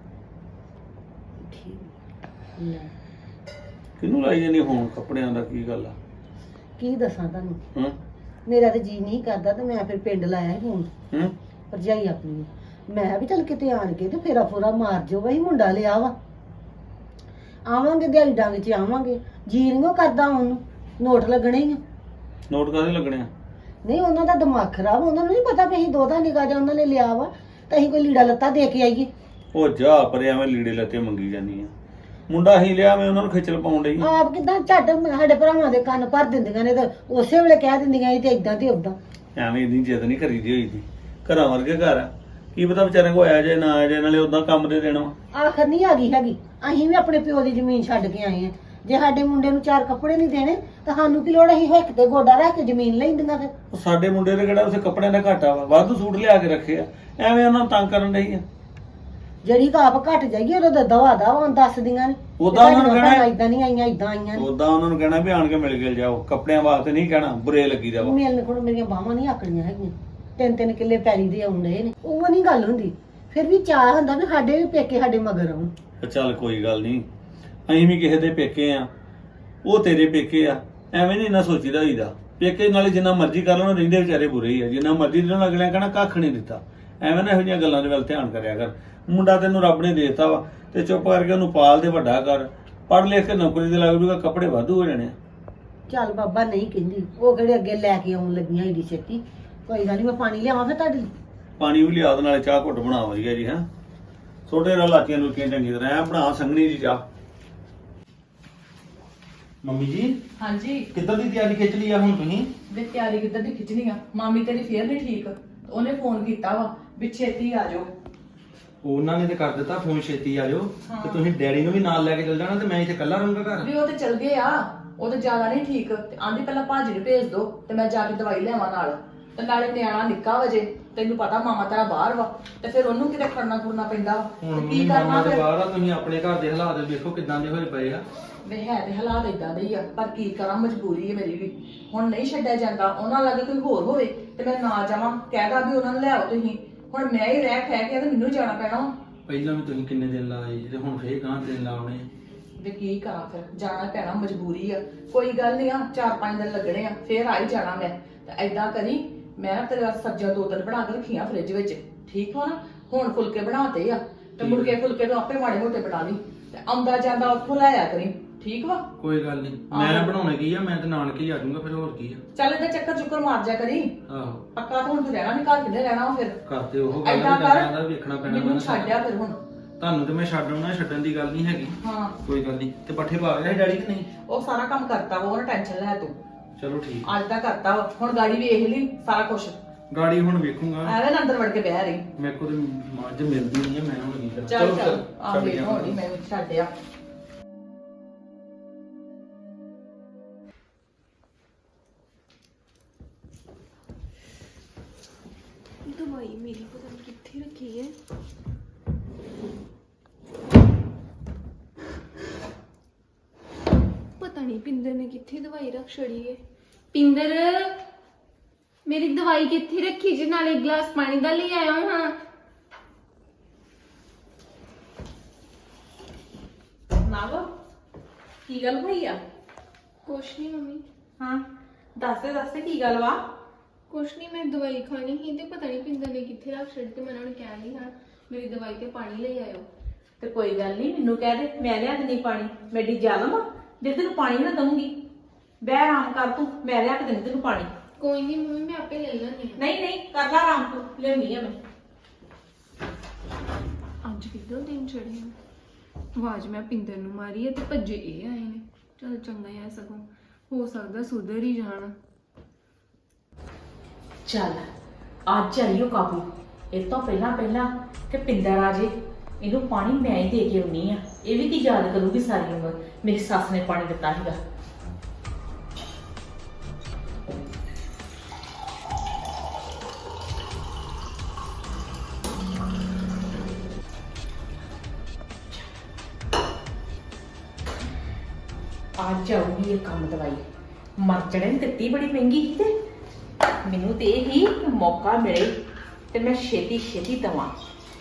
E: ਠੀਕ ਲੈ,
F: ਕਿਹਨੂੰ ਲਾਈ ਜਾਨੀ ਫੋਨ? ਕੱਪੜਿਆਂ ਦਾ ਕੀ ਗੱਲ ਆ?
E: ਕੀ ਦੱਸਾਂ ਤੁਹਾਨੂੰ,
F: ਹੂੰ
E: ਮੇਰਾ ਤੇ ਜੀ ਨਹੀਂ ਕਰਦਾ ਤੇ ਮੈਂ ਫਿਰ ਪਿੰਡ ਲਾਇਆ ਫੋਨ
F: ਹੂੰ
E: ਭਰਜਾਈ ਆਪਣੀ ਨੂੰ। ਮੈਂ ਕਿਹਾ ਵੀ ਚੱਲ ਕਿਤੇ ਆਣ ਕੇ ਤੇ ਫੇਰਾ ਫੋਰਾ ਮਾਰ ਜਾਓ, ਵਹੀ ਮੁੰਡਾ ਲਿਆ ਵਾ, ਆਵਾਂਗੇ ਦਿਹਾੜੀ ਡੰਗ 'ਚ ਆਵਾਂਗੇ। ਜੀ ਨਹੀਂ ਉਹ ਕਰਦਾ ਉਹਨੂੰ, ਨੋਟ ਲੱਗਣੇ ਹੀ ਆ।
F: ਨੋਟ ਕਾਹਦੇ ਲੱਗਣੇ ਆ?
E: ਨਹੀਂ ਉਹਨਾਂ ਦਾ ਦਿਮਾਗ ਖਰਾਬ, ਉਹਨਾਂ ਨੂੰ ਨਹੀਂ ਪਤਾ ਵੀ ਅਸੀਂ ਦੋਦਾ ਨਿਕਾ ਜਾ ਉਹਨਾਂ ਨੇ ਲਿਆ ਵਾ ਤਾਂ ਅਸੀਂ ਕੋਈ ਲੀੜਾ ਲੱਤਾ ਦੇ ਕੇ ਆਈਏ।
F: ਉਹ ਜਾ ਪਰੇ, ਐਵੇਂ ਲੀੜੇ ਲੱਤੇ ਮੰਗੀ ਜਾਨੀ ਆ। ਮੁੰਡਾ ਹੀ ਲਿਆ, ਮੈਂ ਉਹਨਾਂ ਨੂੰ ਖਿੱਚਲ ਪਾਉਣ ਡਈ ਆ।
E: ਆਪ ਕਿਦਾਂ ਝੱਟ ਸਾਡੇ ਭਰਾਵਾਂ ਦੇ ਕੰਨ ਭਰ ਦਿੰਦੀਆਂ ਨੇ ਤੇ ਉਸੇ ਵੇਲੇ ਕਹਿ ਦਿੰਦੀਆਂ ਸੀ ਤੇ ਇਦਾਂ ਤੇ ਉਦਾਂ।
F: ਐਵੇਂ ਇੰਨੀ ਜਿੱਦ ਨਹੀਂ ਕਰੀਦੀ ਹੋਈ ਦੀ। ਘਰਾਂ ਵਰਗੇ ਘਰ ਆ, ਕੀ ਪਤਾ ਵਿਚਾਰੇ ਕੋ ਆਇਆ ਜੇ ਨਾ ਆਇਆ ਜੇ, ਨਾਲੇ ਉਦਾਂ ਕੰਮ ਦੇ ਦੇਣਾ।
E: ਆਖਰ ਨਹੀਂ ਆ ਗਈ ਹੈਗੀ, ਅਸੀਂ ਵੀ ਆਪਣੇ ਪਿਓ ਦੀ ਜ਼ਮੀਨ ਛੱਡ ਕੇ ਆਏ ਆ। ਜੇ ਸਾਡੇ ਮੁੰਡੇ ਨੂੰ ਚਾਰ ਕੱਪੜੇ ਨਹੀਂ ਦੇਣੇ ਤਾਂ ਸਾਨੂੰ ਕੀ ਲੋੜ, ਅਸੀਂ ਹਿੱਕ ਤੇ ਗੋਡਾ ਰੱਖ ਕੇ ਜ਼ਮੀਨ ਲੈਂਦੀਆਂ ਫਿਰ।
F: ਉਹ ਸਾਡੇ ਮੁੰਡੇ ਦੇ ਕਿਹੜਾ ਉਸੇ ਕੱਪੜਿਆਂ ਦਾ ਘਾਟਾ ਵਾ, ਵਾਧੂ ਸੂਟ ਲਿਆ ਕੇ ਰੱਖੇ ਆ, ਐਵੇਂ ਉਹਨਾਂ ਨੂੰ ਤੰਗ ਕਰਨ ਡਈ ਆ।
E: ਜਿਹੜੀ ਕੋ ਆਪ ਘਟ ਜਾਈਏ ਉਹਦਾ ਤਾਂ ਦਵਾ ਦਵਾ ਦੱਸਦੀਆਂ ਨੇ
F: ਉਦਾਂ ਉਹਨਾਂ ਨੂੰ ਕਹਿਣਾ
E: ਇਦਾਂ ਨਹੀਂ ਆਈਆਂ ਇਦਾਂ ਆਈਆਂ ਨੇ।
F: ਉਦਾਂ ਉਹਨਾਂ ਨੂੰ ਕਹਿਣਾ ਵੀ ਆਣ ਕੇ ਮਿਲ ਗਿਲ ਜਾਓ, ਕੱਪੜਿਆਂ ਵਾਸਤੇ ਨਹੀਂ ਕਹਿਣਾ ਬੁਰੇ ਲੱਗੀ ਜਾਓ।
E: ਮਿਲਣ ਕੋਲ ਮੇਰੀਆਂ ਬਾਹਾਂ ਨਹੀਂ ਆਕੜੀਆਂ ਹੈਗੀਆਂ, ਤਿੰਨ ਤਿੰਨ ਕਿੱਲੇ ਪੈਲੀ ਦੇ ਆਉਂਦੇ ਨੇ, ਉਹ ਨਹੀਂ ਗੱਲ ਹੁੰਦੀ। ਫਿਰ ਵੀ ਚਾਹ ਹੁੰਦਾ ਵੀ ਸਾਡੇ ਵੀ ਪੇਕੇ ਸਾਡੇ ਮਗਰ ਆਉਣ।
F: ਚੱਲ ਕੋਈ ਗੱਲ ਨਹੀਂ, ਅਸੀਂ ਵੀ ਕਿਸੇ ਦੇ ਪੇਕੇ ਆ, ਉਹ ਤੇਰੇ ਪੇਕੇ ਆ, ਐਵੇਂ ਨਹੀਂ ਨਾ ਸੋਚੀਦਾ ਹੋਈਦਾ। ਪੇਕੇ ਨਾਲੇ ਜਿੰਨਾ ਮਰਜ਼ੀ ਕਰ ਲੈਣ ਰਹਿੰਦੇ ਵਿਚਾਰੇ ਬੁਰੇ ਹੀ ਆ, ਜਿੰਨਾ ਮਰਜ਼ੀ ਦੇਣ ਅਗਲਿਆਂ ਕਹਿਣਾ ਕੱਖ ਨਹੀਂ ਦਿੱਤਾ। ਐਵੇਂ ਨਾ ਇਹੋ ਜਿਹੀਆਂ ਗੱਲਾਂ ਦੇ ਵੱਲ ਧਿਆਨ ਕਰਿਆ ਕਰ। ਮੁੰਡਾ ਤੈਨੂੰ ਰੱਬ ਨੇ ਦੇਤਾ ਵਾ ਤੇ ਚੁੱਪ ਕਰਕੇ ਉਹਨੂੰ ਪਾਲ ਤੇ ਵੱਡਾ ਕਰ, ਪੜ੍ਹ ਲਿਖ ਕੇ ਨੌਕਰੀ ਤੇ ਲੱਗ ਜੂਗਾ, ਕੱਪੜੇ ਵਾਧੂ ਹੋ ਜਾਣੇ ਆ।
E: ਚੱਲ ਬਾਬਾ ਨਹੀਂ ਕਹਿੰਦੀ, ਉਹ ਕਿਹੜੇ ਅੱਗੇ ਲੈ ਕੇ ਆਉਣ ਲੱਗੀਆਂ ਏਡੀ ਛੇਤੀ। ਕੋਈ ਗੱਲ ਨਹੀਂ, ਮੈਂ ਪਾਣੀ ਲਿਆਵਾਂ ਫਿਰ ਤੁਹਾਡੇ ਲਈ।
F: ਪਾਣੀ ਵੀ ਲਿਆ, ਉਹਦੇ ਨਾਲੇ ਚਾਹ ਘੁੱਟ ਬਣਾ ਵਧੀਆ ਜੀ। ਹੈਂ ਛੋਟੇ ਰਾ ਲਾਚੀਆਂ ਲੁਕੀਆਂ ਚੰਗੀ ਤਰ੍ਹਾਂ ਐ ਬਣਾ, ਸੰਘਣੀ ਜੀ ਚਾਹ।
G: ਮੰਮੀ ਜੀ
H: ਹਾਂਜੀ
G: ਕਿੱਧਰ ਦੀ ਤਿਆਰੀ ਖਿੱਚ ਲਈ ਆ ਹੁਣ ਤੁਸੀਂ?
H: ਵੇ ਤਿਆਰੀ ਕਿੱਦਾਂ ਦੀ ਖਿੱਚਣੀ ਆ? ਮਾਮੀ ਤੇਰੀ ਫੇਰ ਨਹੀਂ ਠੀਕ, ਉਹਨੇ ਫੋਨ ਕੀਤਾ ਵਾ ਵੀ ਛੇਤੀ ਆ ਜਾਓ।
G: ਉਹਨਾਂ ਨੇ ਤੇ ਕਰ ਦਿੱਤਾ ਫੋਨ, ਛੇਤੀ ਆ ਜਾਓ।
H: ਹਾਂ।
G: ਤੇ ਤੁਸੀਂ ਡੈਡੀ ਨੂੰ ਵੀ ਨਾਲ ਲੈ ਕੇ ਚੱਲ ਜਾਣਾ ਤੇ ਮੈਂ ਇੱਥੇ ਇਕੱਲਾ ਰਹੂੰਗਾ ਘਰ।
H: ਵੀ ਉਹ ਤੇ ਚਲ ਗਏ ਆ, ਉਹ ਤੇ ਜ਼ਿਆਦਾ ਨਹੀਂ ਠੀਕ ਤੇ ਆਂਦੀ ਪਹਿਲਾਂ ਭਾਜੀ ਨੂੰ ਭੇਜ ਦੋ ਤੇ ਮੈਂ ਜਾ ਕੇ ਦਵਾਈ ਲਿਆਵਾਂ ਨਾਲ। ਤੇ ਨਾਲੇ ਨਿਆਣਾ ਨਿੱਕਾ ਵਜੇ, ਤੈਨੂੰ ਪਤਾ ਮਾਮਾ ਤੇਰਾ ਬਾਹਰ ਵਾ ਤੇ ਫਿਰ ਉਹਨੂੰ ਕਿਤੇ ਖੜਨਾ ਖੁਰਨਾ ਪੈਂਦਾ ਵਾ।
G: ਹੁਣ
H: ਤੇ ਕੀ
G: ਮੰਮੀ
H: ਕਰਨਾ
G: ਮਾਮਾ ਦੇ
H: ਫਿਰ?
G: ਬਾਹਰ ਆ, ਤੁਸੀਂ ਆਪਣੇ ਘਰ ਦੇ ਹਾਲਾਤ ਵੇਖੋ ਕਿਦਾਂ ਦੇ ਹੋਏ ਪਏ ਆ।
H: ਵੇ ਹੈ ਤੇ ਹਾਲਾਤ ਇਦਾਂ ਦੇ ਹੀ ਆ, ਪਰ ਕੀ ਕਰਾਂ, ਮਜਬੂਰੀ ਹੈ ਮੇਰੀ ਵੀ। ਹੁਣ ਨਹੀਂ ਛੱਡਿਆ ਜਾਂਦਾ, ਉਹਨਾਂ ਲੱਗੇ ਕੋਈ ਹੋਰ ਹੋਵੇ ਤੇ ਮੈਂ ਨਾ ਜਾਵਾਂ, ਕਹਿਦਾ ਵੀ ਉਹਨਾਂ ਨੂੰ ਲਿਆਓ ਤੁਸੀਂ। ਹੁਣ ਮੈਂ ਹੀ ਰਹਿ ਖਹਿ ਕੇ ਤੇ ਮੈਨੂੰ ਜਾਣਾ ਪੈਣਾ ਵਾ।
G: ਪਹਿਲਾਂ ਵੀ ਤੁਸੀਂ ਕਿੰਨੇ ਦਿਨ ਲਾਏ ਤੇ ਹੁਣ ਫੇਰ ਗਾਂ ਦਿਨ ਲਾਉਣੇ।
H: ਵੀ ਕੀ ਕਰਾਂ, ਫਿਰ ਜਾਣਾ ਪੈਣਾ, ਮਜਬੂਰੀ ਆ। ਕੋਈ ਗੱਲ ਨਹੀਂ ਆ, ਚਾਰ ਪੰਜ ਦਿਨ ਲੱਗਣੇ ਆ, ਫੇਰ ਆ ਹੀ ਜਾਣਾ ਮੈਂ। ਤੇ ਐਦਾਂ ਕਰੀ, ਮੈਂ ਨਾ ਤੇਰੇ ਵਾਸਤੇ ਸਬਜ਼ੀਆਂ ਦੋ ਤਿੰਨ ਬਣਾ ਕੇ ਰੱਖੀਆਂ ਫ੍ਰਿਜ ਵਿੱਚ, ਠੀਕ ਹੋ ਨਾ? ਹੁਣ ਫੁਲਕੇ ਬਣਾਤੇ ਆ ਤੇ ਮੁੜ ਕੇ ਫੁਲਕੇ ਤੋਂ ਆਪੇ ਮਾੜੇ ਮੋਟੇ ਬਣਾ ਲਈ ਤੇ ਆਉਂਦਾ ਜਾਂਦਾ ਉੱਥੋਂ ਲੈ ਆਇਆ ਕਰੀ, ਠੀਕ ਵਾ?
G: ਕੋਈ ਗੱਲ ਨਹੀਂ, ਮੈਂ ਬਣਾਉਣੇ ਕੀ ਆ, ਮੈਂ ਤੇ ਨਾਨਕੇ ਹੀ ਆ ਜਾਊਂਗਾ ਫਿਰ, ਹੋਰ ਕੀ ਆ।
H: ਚੱਲ ਇਹਦਾ ਚੱਕਰ ਚੁੱਕਰ ਮਾਰ ਜਾ ਕਰੀ।
G: ਆਹੋ
H: ਪੱਕਾ ਤਾਂ ਹੁਣ ਤੂੰ ਰਹਿਣਾ ਨਹੀਂ, ਘਰ ਕਿੱਥੇ ਰਹਿਣਾ ਵਾ ਫਿਰ?
G: ਘਰ ਤੇ ਉਹ ਗੱਲ
H: ਐਦਾਂ
G: ਦਾ
H: ਕਰ,
G: ਵੇਖਣਾ ਪੈਣਾ
H: ਮੈਨੂੰ
G: ਮੈਨੂੰ।
H: ਛੱਡਿਆ ਫਿਰ ਹੁਣ।
G: ਤੁਹਾਨੂੰ ਤੇ ਮੈਂ ਛੱਡ ਆਉਣਾ, ਛੱਡਣ ਦੀ ਗੱਲ ਨਹੀਂ ਹੈਗੀ।
H: ਹਾਂ
G: ਕੋਈ ਗੱਲ ਨਹੀਂ। ਤੇ ਪੱਠੇ ਪਾ ਗਿਆ ਡੈਡੀ ਕਿ ਨਹੀਂ?
H: ਉਹ ਸਾਰਾ ਕੰਮ ਕਰਤਾ ਵਾ, ਉਹਨੇ ਟੈਨਸ਼ਨ ਲੈ ਤੂੰ।
G: ਚਲੋ ਠੀਕ।
H: ਅੱਜ ਦਾ ਕਰਤਾ ਵਾ, ਹੁਣ ਗਾੜੀ ਵੇਖ ਲਈ ਸਾਰਾ ਕੁਝ।
G: ਗਾੜੀ ਹੁਣ ਵੇਖੂੰਗਾ।
H: ਐਵੇਂ ਨਾ ਅੰਦਰ ਵੜ ਕੇ ਬਹਿ ਰਹੀ।
G: ਮੇਰੇ ਕੋਲ ਤੇ ਮੱਝ ਮਿਲਦੀ ਨਹੀਂ ਹੈ, ਮੈਂ ਹੁਣ ਕੀ ਕਰਾਂ।
H: ਚੱਲ ਚੱਲ ਆ
G: ਛੱਡ
H: ਵੇਖ
G: ਗਿਆ।
H: ਹੋਣੀ, ਮੈਂ ਵੀ ਛੱਡਿਆ।
C: ਦਵਾਈ ਮੇਰੀ ਪਤਾ ਨਹੀਂ ਕਿੱਥੇ ਰੱਖੀ ਹੈ। ਪਤਾ ਨਹੀਂ ਪਿੰਦਰ ਨੇ ਕਿੱਥੇ ਦਵਾਈ ਰੱਖ ਛੜੀ ਹੈ। ਪਿੰਦਰ, ਮੇਰੀ ਦਵਾਈ ਕਿੱਥੇ ਰੱਖੀ ਜੀ? ਨਾਲੇ ਇੱਕ ਗਲਾਸ ਪਾਣੀ ਦਾ ਲੈ ਆਇਆ ਹਾਂ।
B: ਨਾਵ ਕੀ ਗੱਲ ਹੋਈ ਆ?
C: ਕੁਛ ਨਹੀਂ ਮੰਮੀ,
B: ਹਾਂ ਦੱਸ ਦੇ ਦੱਸ ਦੇ ਕੀ ਗੱਲ ਵਾ?
C: ਕੁਛ ਨਹੀਂ, ਮੈਂ ਦਵਾਈ ਖਾਣੀ ਸੀ ਤੇ ਪਤਾ ਨਹੀਂ ਪਿੰਦਰ ਨੇ ਕਿੱਥੇ ਰੱਖ ਛੜੀ ਤੇ ਮੈਂ ਉਹਨਾਂ ਨੂੰ ਕਹਿ ਲਈ ਹਾਂ ਮੇਰੀ ਦਵਾਈ ਤੇ ਪਾਣੀ ਲੈ ਆਇਓ।
B: ਤੇ ਕੋਈ ਗੱਲ ਨਹੀਂ, ਮੈਨੂੰ ਕਹਿ ਦੇ, ਮੈਂ ਲਿਆ ਦਿੰਦੀ ਪਾਣੀ। ਮੇਰੀ ਜ਼ਾਲਮ ਆ ਜੇ ਤੈਨੂੰ ਪਾਣੀ ਨਾ ਦਊਂਗੀ। ਬਹਿ ਆਰਾਮ ਕਰ ਤੂੰ, ਮੈਂ ਲਿਆ ਕੇ ਦਿੰਦੀ ਤੈਨੂੰ ਪਾਣੀ।
C: ਕੋਈ ਨਹੀਂ ਮੰਮੀ, ਮੈਂ ਆਪੇ ਲੈ ਲੈਣੀ।
B: ਨਹੀਂ ਨਹੀਂ ਕਰ ਲੈ ਆਰਾਮ, ਤੂੰ ਲਿਆਉਣੀ ਆ ਮੈਂ।
C: ਅੱਜ ਕਿੱਦਾਂ ਦਿਨ ਚੜ੍ਹੇ ਆ। ਆਵਾਜ਼ ਮੈਂ ਪਿੰਦਰ ਨੂੰ ਮਾਰੀ ਹੈ ਤੇ ਭੱਜੇ ਇਹ ਆਏ ਨੇ। ਚਲ ਚੰਗਾ ਹੈ, ਸਗੋਂ ਹੋ ਸਕਦਾ ਸੁਧਰ ਹੀ ਜਾਣ।
B: ਚੱਲ ਅੱਜ ਆਈਓ ਕਾਬੂ। ਇਹ ਤੋਂ ਪਹਿਲਾਂ ਪਹਿਲਾਂ ਕਿ ਪਿੰਦਰ ਆ ਜੇ, ਇਹਨੂੰ ਪਾਣੀ ਮੈਂ ਹੀ ਦੇ ਕੇ ਆਉਣੀ ਆ। ਇਹ ਵੀ ਕੀ ਯਾਦ ਕਰੂਗੀ ਸਾਰੀ ਉਮਰ ਮੇਰੀ ਸੱਸ ਨੇ ਪਾਣੀ ਦਿੱਤਾ ਸੀਗਾ। ਅੱਜ ਆਉਗੀ ਇਹ ਕੰਮ ਦਵਾਈ। ਮਰ ਚੜੇ ਨੇ ਦਿੱਤੀ ਬੜੀ ਮਹਿੰਗੀ ਸੀ ਤੇ ਮੈਨੂੰ ਤੇ ਇਹ ਹੀ ਮੌਕਾ ਮਿਲੇ ਤੇ ਮੈਂ ਛੇਤੀ ਛੇਤੀ ਦਵਾਂ।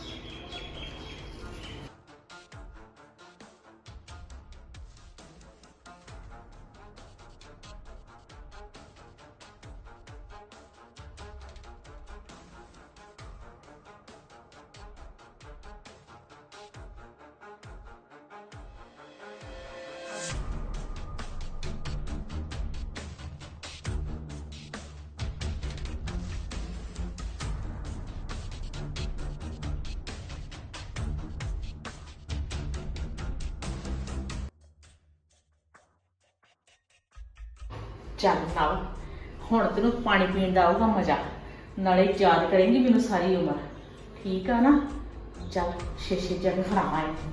B: ਚੱਲ ਨਾਲ ਹੁਣ ਤੈਨੂੰ ਪਾਣੀ ਪੀਣ ਦਾ ਆਊਗਾ ਮਜ਼ਾ, ਨਾਲੇ ਯਾਦ ਕਰੇਂਗੀ ਮੈਨੂੰ ਸਾਰੀ ਉਮਰ। ਠੀਕ ਆ ਨਾ? ਚੱਲ ਛੇ ਛੇ ਜਣੇ ਫੜਾਵਾਂ ਇਹਨੂੰ।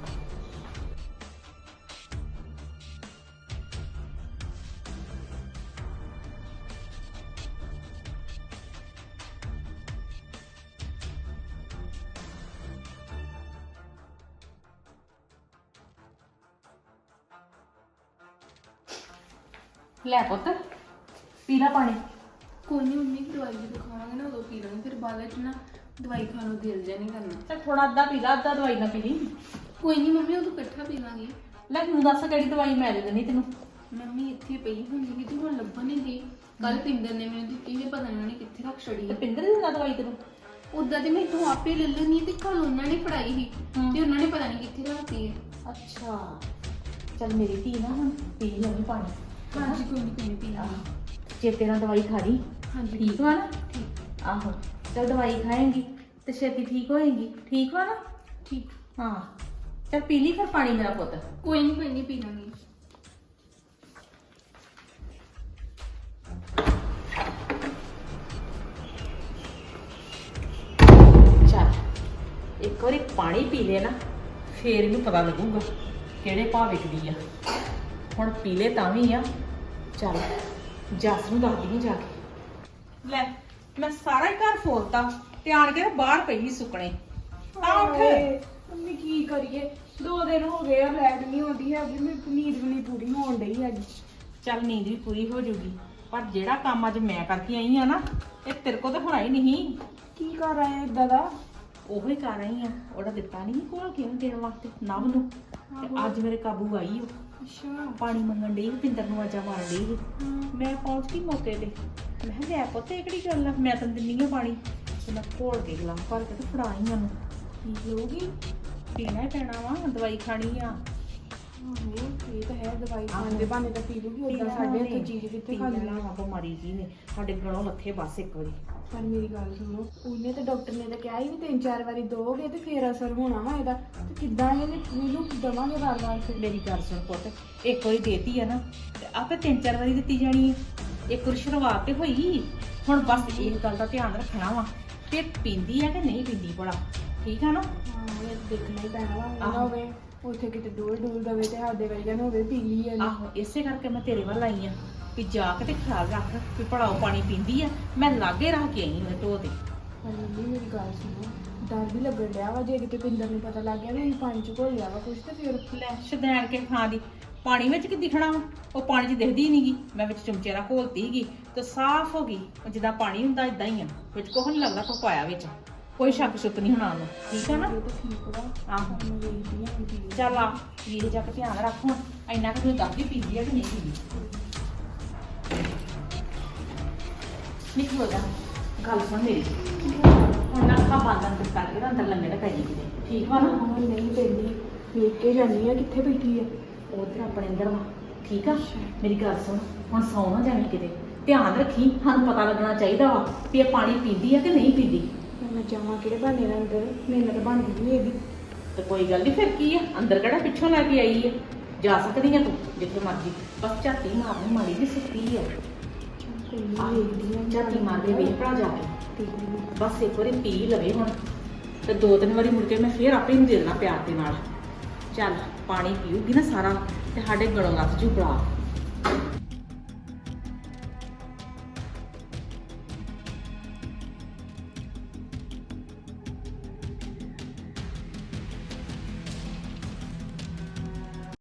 H: ਲੈ ਪੁੱਤ ਪੀ ਲੈ ਪਾਣੀ।
C: ਕੋਈ ਨਹੀਂ ਮੰਮੀ, ਦਵਾਈ ਜਦੋਂ ਖਾਵਾਂਗੇ ਨਾ ਉਦੋਂ ਪੀ ਲਾਂਗੇ, ਫਿਰ ਬਾਅਦ ਵਿੱਚ ਨਾ ਦਵਾਈ ਖਾਣ ਨੂੰ ਦਿਲ ਜਿਹਾ ਨਹੀਂ ਕਰਨਾ।
H: ਚੱਲ ਥੋੜਾ ਅੱਧਾ ਪੀ ਲੈ, ਅੱਧਾ ਦਵਾਈ ਨਾ ਪੀ ਲਈ।
C: ਕੋਈ ਨਹੀਂ ਮੰਮੀ, ਉਦੋਂ ਇਕੱਠਾ ਪੀ ਲਾਂਗੇ।
H: ਲੈ ਤੂੰ ਦੱਸ ਕਿਹੜੀ ਦਵਾਈ ਮੈਂ ਦੇ ਦੇਣੀ ਤੈਨੂੰ।
C: ਮੰਮੀ ਇੱਥੇ ਪਈ ਹੁੰਦੀ ਕਿਤੇ ਹੁਣ ਲੱਭਣ ਨਹੀਂ ਦੀ। ਕੱਲ ਪਿੰਦਰ ਨੇ ਮੈਨੂੰ ਦਿੱਤੀ ਵੀ ਪਤਾ ਨਹੀਂ ਉਹਨੇ ਕਿੱਥੇ ਰੱਖ ਛੜੀ।
H: ਤੇ ਪਿੰਦਰ ਦਿੰਦਾ ਦਵਾਈ ਤੈਨੂੰ?
C: ਉਦਾਂ ਤੇ ਮੈਂ ਇੱਥੋਂ ਆਪੇ ਲੈ ਲੈਣੀ ਤੇ ਕੱਲ ਉਹਨਾਂ ਨੇ ਫੜਾਈ ਸੀ ਤੇ ਉਹਨਾਂ ਨੇ ਪਤਾ ਨਹੀਂ ਕਿੱਥੇ ਰੱਖਤੀ ਹੈ।
H: ਅੱਛਾ ਚੱਲ ਮੇਰੀ ਧੀ ਨਾ ਹੁਣ ਪੀ ਲੈਣੀ ਪਾਣੀ।
C: ਹਾਂਜੀ ਕੋਈ ਨਹੀਂ ਕੋਈ ਨਹੀਂ ਪੀ ਲਾਂਗੇ।
H: ਚੇਤੇ ਨਾਲ ਦਵਾਈ ਖਾ ਲਈ।
C: ਹਾਂਜੀ
H: ਠੀਕ ਵਾ ਨਾ?
C: ਠੀਕ।
H: ਆਹੋ ਚੱਲ ਦਵਾਈ ਖਾਏਂਗੀ ਤੇ ਛੇਤੀ ਠੀਕ ਹੋਏਗੀ। ਠੀਕ ਵਾ ਨਾ?
C: ਠੀਕ।
H: ਹਾਂ ਚੱਲ ਪੀ ਲਈ ਫਿਰ ਪਾਣੀ ਮੇਰਾ ਪੁੱਤ।
C: ਕੋਈ ਨਹੀਂ ਕੋਈ ਨਹੀਂ ਪੀ ਲਾਂਗੇ।
H: ਚੱਲ ਇੱਕ ਵਾਰੀ ਪਾਣੀ ਪੀ ਲੈ ਨਾ ਫੇਰ ਇਹਨੂੰ ਪਤਾ ਲੱਗੂਗਾ ਕਿਹੜੇ ਭਾਅ ਵਿਕਦੀ ਆ। ਹੁਣ ਪੀ ਲੈ ਤਾਂ ਵੀ ਆ। ਚੱਲ ਜੱਸ ਨੂੰ ਦੱਸਦੀ ਆ ਜਾ ਕੇ। ਲੈ ਮੈਂ ਸਾਰਾ ਹੀ ਘਰ ਫੋਲਤਾ ਤੇ ਆਣ ਕੇ ਬਾਹਰ ਪਈ ਸੁੱਕਣੇ। ਆ ਉੱਠ।
C: ਮੰਮੀ ਕੀ ਕਰੀਏ, ਦੋ ਦਿਨ ਹੋ ਗਏ ਆ ਲੈਟ ਨਹੀਂ ਆਉਂਦੀ ਹੈਗੀ, ਮੇਰੀ ਨੀਂਦ ਵੀ ਨਹੀਂ ਪੂਰੀ ਹੋਣ ਡਈ ਹੈਗੀ।
H: ਚੱਲ ਨੀਂਦ ਵੀ ਪੂਰੀ ਹੋ ਜਾਊਗੀ ਪਰ ਜਿਹੜਾ ਕੰਮ ਅੱਜ ਮੈਂ ਕਰਕੇ ਆਈ ਆ ਨਾ ਇਹ ਤੇਰੇ ਕੋਲ ਤਾਂ ਹੋਣਾ ਹੀ ਨਹੀਂ।
C: ਕੀ ਕਰ ਆਏ ਇਦਾਂ ਦਾ?
H: ਉਹੋ ਹੀ ਕਰ ਰਹੀ ਆ। ਉਹਦਾ ਦਿੱਤਾ ਨਹੀਂ ਕੋਲ ਕਿਉਂ ਦੇਣ ਵਾਸਤੇ ਨਵ ਨੂੰ ਤੇ ਅੱਜ ਮੇਰੇ ਕਾਬੂ ਆਈ ਉਹ।
C: ਅੱਛਾ।
H: ਪਾਣੀ ਮੰਗਣ ਡਈ ਪਿੰਦਰ ਨੂੰ ਆਜਾ ਮਾਰਨ ਡਈ ਸੀ। ਮੈਂ ਪਹੁੰਚ ਗਈ ਮੌਕੇ ਤੇ। ਮੈਂ ਕਿਹਾ ਲੈ ਪੁੱਤ ਇਹ ਕਿਹੜੀ ਗੱਲ ਆ, ਮੈਂ ਤਾਂ ਦਿੰਨੀ ਆ ਪਾਣੀ। ਤੇ ਮੈਂ ਘੋਲ ਕੇ ਗਲਾਸ ਭਰ ਕੇ ਤੇ ਫੜਾਈ ਉਹਨੂੰ।
C: ਪੀ ਲਓਗੀ?
H: ਪੀਣਾ ਹੀ ਪੈਣਾ ਵਾ, ਦਵਾਈ ਖਾਣੀ ਆ।
C: ਆਹੋ ਇਹ ਤਾਂ ਹੈ, ਦਵਾਈ ਖਾਣ ਦੇ ਬਹਾਨੇ ਤਾਂ ਪੀ ਲੂਗੀ। ਉਦਾਂ ਸਾਡੇ ਇੱਥੇ ਚੀਜ਼ ਕਿੱਥੇ ਖਾਂਦੀ ਆ।
H: ਬਿਮਾਰੀ ਜੀ ਨੇ ਸਾਡੇ ਗਲੋਂ ਲੱਥੇ ਬਸ ਇੱਕ ਵਾਰੀ।
C: ਪਰ ਮੇਰੀ ਗੱਲ ਸੁਣੋ, ਉਹਨੇ ਤੇ ਡਾਕਟਰ ਨੇ ਤਾਂ ਕਿਹਾ ਹੀ ਵੀ ਤਿੰਨ ਚਾਰ ਵਾਰੀ ਦੋਗੇ ਤੇ ਫੇਰ ਅਸਰ ਹੋਣਾ ਵਾ ਇਹਦਾ। ਤੇ ਕਿੱਦਾਂ ਇਹਨੇ ਇਹਨੂੰ ਦਵਾਂਗੇ ਵਾਰ ਵਾਰ ਫਿਰ?
H: ਮੇਰੀ ਗੱਲ ਸੁਣ ਪੁੱਤ, ਇੱਕ ਵਾਰੀ ਦੇਤੀ ਆ ਨਾ ਤੇ ਆਪੇ ਤਿੰਨ ਚਾਰ ਵਾਰੀ ਦਿੱਤੀ ਜਾਣੀ ਹੈ। ਇੱਕ ਵਾਰੀ ਸ਼ੁਰੂਆਤ ਤੇ ਹੋਈ। ਹੁਣ ਬਸ ਇਹ ਗੱਲ ਦਾ ਧਿਆਨ ਰੱਖਣਾ ਵਾ ਕਿ ਪੀਂਦੀ ਆ ਕਿ ਨਹੀਂ ਪੀਂਦੀ ਭਲਾ। ਠੀਕ ਆ ਨਾ?
C: ਹਾਂ ਇਹ ਤਾਂ ਦੇਖਣਾ ਹੀ ਪੈਣਾ ਵਾ। ਨਾ ਹੋਵੇ ਉੱਥੇ ਕਿਤੇ ਡੋਲ ਡੋਲ ਦਵੇ ਤੇ ਸਾਡੇ ਵਰਗਿਆਂ ਨੂੰ ਹੋਵੇ ਪੀ ਲਈ ਇਹਨੇ।
H: ਆਹੋ ਇਸੇ ਕਰਕੇ ਮੈਂ ਤੇਰੇ ਵੱਲ ਆਈ ਆ ਵੀ ਜਾ ਕੇ ਤੇ ਖਿਆਲ ਰੱਖ ਵੀ ਭਲਾ ਉਹ ਪਾਣੀ ਪੀਂਦੀ ਆ। ਮੈਂ ਲਾਗੇ ਰੱਖ ਕੇ ਆਈ ਉਹਦੇ ਢੋਹ ਤੇ।
C: ਪਰ ਮੰਮੀ ਮੇਰੀ ਗੱਲ ਸੁਣੋ, ਡਰ ਵੀ ਲੱਗਣ ਡਿਆ ਵਾ ਜੇ ਕਿਤੇ ਪਿੰਦਰ ਨੂੰ ਪਤਾ ਲੱਗ ਗਿਆ ਵੀ ਅਸੀਂ ਪਾਣੀ ਚ ਘੋਲਿਆ ਵਾ ਕੁਛ ਤੇ ਫਿਰ।
H: ਲੈ ਸ਼ਦੈਣ ਕੇ ਥਾਂ ਦੀ ਪਾਣੀ ਵਿੱਚ ਕੀ ਦਿਖਣਾ ਵਾ? ਉਹ ਪਾਣੀ 'ਚ ਦਿਖਦੀ ਨਹੀਂਗੀ। ਮੈਂ ਵਿੱਚ ਚਮਚੇ ਨਾਲ ਘੋਲਤੀ ਸੀਗੀ ਤੇ ਸਾਫ਼ ਹੋ ਗਈ। ਜਿੱਦਾਂ ਪਾਣੀ ਹੁੰਦਾ ਇਦਾਂ ਹੀ ਆ, ਵਿੱਚ ਕੁਛ ਨਹੀਂ ਲੱਗਦਾ ਕੋ ਪਾਇਆ ਵਿੱਚ। ਕੋਈ ਸ਼ੱਕ ਸ਼ੁਕ ਨਹੀਂ ਹੋਣਾ ਉਹਨੂੰ। ਠੀਕ ਆ ਨਾ?
C: ਇਹ ਤਾਂ ਠੀਕ ਵਾ।
H: ਆਹੋ
C: ਮੈਂ ਵੇਖਦੀ ਹਾਂ ਪੀ ਲਈ।
H: ਚੱਲ ਆ ਵੀਰੇ ਜਾ ਕੇ ਧਿਆਨ ਰੱਖ। ਹੁਣ ਇੰਨਾ ਕਿ ਮੈਨੂੰ ਦੱਸਦੀ ਪੀਂਦੀ ਆ ਕਿ ਨਹੀਂ ਪੀਂਦੀ। ਨਿਕਲ ਜਾ। ਗੱਲ ਸੁਣ ਮੇਰੀ, ਹੁਣ ਨਾ ਅੱਖਾਂ ਬੰਦ ਅੰਦਰ ਕਰਕੇ ਨਾ ਅੰਦਰ ਲੰਮੇ ਟਕਾਈ ਕਿਤੇ। ਠੀਕ ਵਾ ਨਾ?
C: ਹਾਂ ਨਹੀਂ ਪੈਂਦੀ, ਵੇਖ ਕੇ ਜਾਨੀ ਆ ਕਿੱਥੇ ਬੈਠੀ ਆ।
H: ਉਧਰ ਆਪਣੇ ਅੰਦਰ ਵਾ। ਠੀਕ ਆ? ਮੇਰੀ ਗੱਲ ਸੁਣ, ਹੁਣ ਸੌ ਨਾ ਜਾਣੀ ਕਿਤੇ। ਧਿਆਨ ਰੱਖੀ, ਸਾਨੂੰ ਪਤਾ ਲੱਗਣਾ ਚਾਹੀਦਾ ਵਾ ਵੀ ਇਹ ਪਾਣੀ ਪੀਂਦੀ ਆ ਕਿ ਨਹੀਂ ਪੀਂਦੀ।
C: ਮੈਂ ਜਾਵਾਂ ਕਿਹੜੇ ਬਹਾਨੇ ਨਾਲ ਅੰਦਰ? ਮਿਹਨਤ ਬਣਦੀ ਨਹੀਂ ਇਹਦੀ।
H: ਤੇ ਕੋਈ ਗੱਲ ਨਹੀਂ, ਫਿਰ ਕੀ ਆ, ਅੰਦਰ ਕਿਹੜਾ ਪਿੱਛੋਂ ਲੈ ਕੇ ਆਈ ਆ। ਜਾ ਸਕਦੀ ਆ ਤੂੰ ਜਿੱਥੇ ਮਰਜੀ। ਬਸ ਝਾਤੀ ਮਾਰਨੀ ਮਾਰੀ ਦੀ ਸੁੱਤੀ ਆ।
C: ਕੋਈ ਨਹੀਂ ਵੇਖਦੀ ਆ।
H: ਝਾਤੀ ਮਾਰ ਕੇ ਵੇਖ ਭਲਾ ਜਾ ਕੇ।
C: ਪੀ ਲਈ।
H: ਬਸ ਇੱਕ ਵਾਰੀ ਪੀ ਲਵੇ ਹੁਣ ਤੇ ਦੋ ਤਿੰਨ ਵਾਰੀ ਮੁੜ ਕੇ ਮੈਂ ਫੇਰ ਆਪੇ ਨੂੰ ਦੇ ਦੇਣਾ ਪਿਆਰ ਦੇ ਨਾਲ। ਚੱਲ ਪਾਣੀ ਪੀਊਗੀ ਨਾ ਸਾਰਾ ਤੇ ਸਾਡੇ ਗਲੋਂ ਲੱਥ ਜੂ ਬਲਾ।